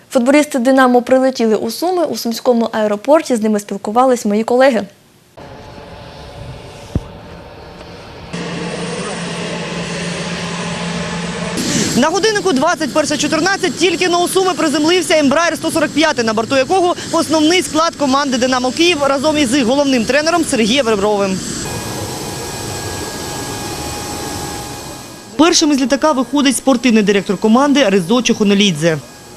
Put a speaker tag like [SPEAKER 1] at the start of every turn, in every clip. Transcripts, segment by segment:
[SPEAKER 1] Футболісти «Динамо» прилетіли у Суми. У Сумському аеропорті з ними спілкувались мої колеги.
[SPEAKER 2] На годиннику 21:14 тільки на у Суми приземлився Embraer 145, на борту якого основний склад команди «Динамо Київ» разом із їх головним тренером Сергієм Ребровим. Першим із літака виходить спортивний директор команди Резо Чохонолідзе.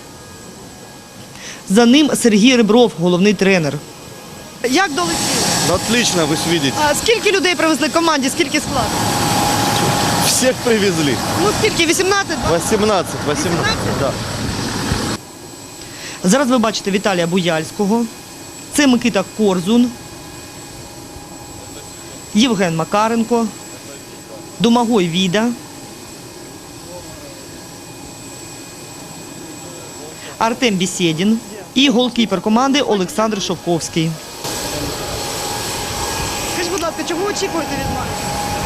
[SPEAKER 2] За ним Сергій Ребров, головний тренер. Як долетіли?
[SPEAKER 3] Отлично, вы видите.
[SPEAKER 2] А скільки людей привезли команді, скільки складу?
[SPEAKER 3] Всех привезли.
[SPEAKER 2] Ну скільки, 18?
[SPEAKER 3] 18, да.
[SPEAKER 2] Зараз ви бачите Віталія Буяльського, це Микита Корзун, Євген Макаренко, Домагой Віда, Артем Бєсєдін і голкіпер команди Олександр Шовковський. Скажіть, будь ласка, чого очікуєте від матчу?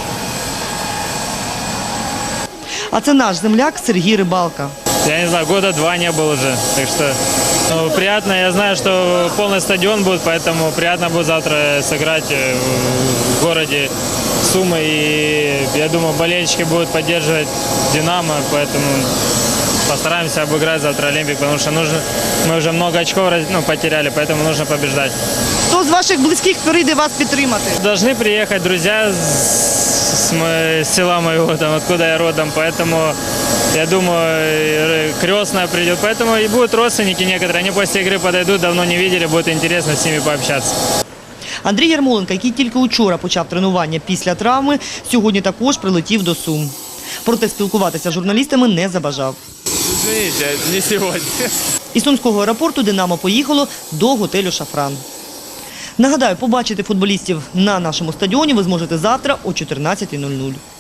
[SPEAKER 2] А це наш земляк Сергій Рибалка.
[SPEAKER 4] Я не знаю, года 2 не был уже, так что приятно. Я знаю, что полный стадион будет, поэтому приятно будет завтра сыграть в городе Сумы. И я думаю, болельщики будут поддерживать «Динамо», поэтому постараемся обыграть завтра «Олимпик», потому что мы уже много очков потеряли, поэтому нужно побеждать.
[SPEAKER 2] Хто з ваших близьких прийде вас підтримати?
[SPEAKER 4] Должны приехать друзья с села моего, там, откуда я родом, поэтому я думаю, крестная придет, поэтому и будут родственники некоторые, они после игры подойдут, давно не видели, будет интересно с ними пообщаться.
[SPEAKER 2] Андрій Ярмоленко, який тільки учора почав тренування після травми, сьогодні також прилетів до Сум. Проте спілкуватися з журналістами не забажав.
[SPEAKER 4] Извините, не сьогодні.
[SPEAKER 2] Із Сумського аеропорту «Динамо» поїхало до готелю «Шафран». Нагадаю, побачити футболістів на нашому стадіоні ви зможете завтра о 14:00.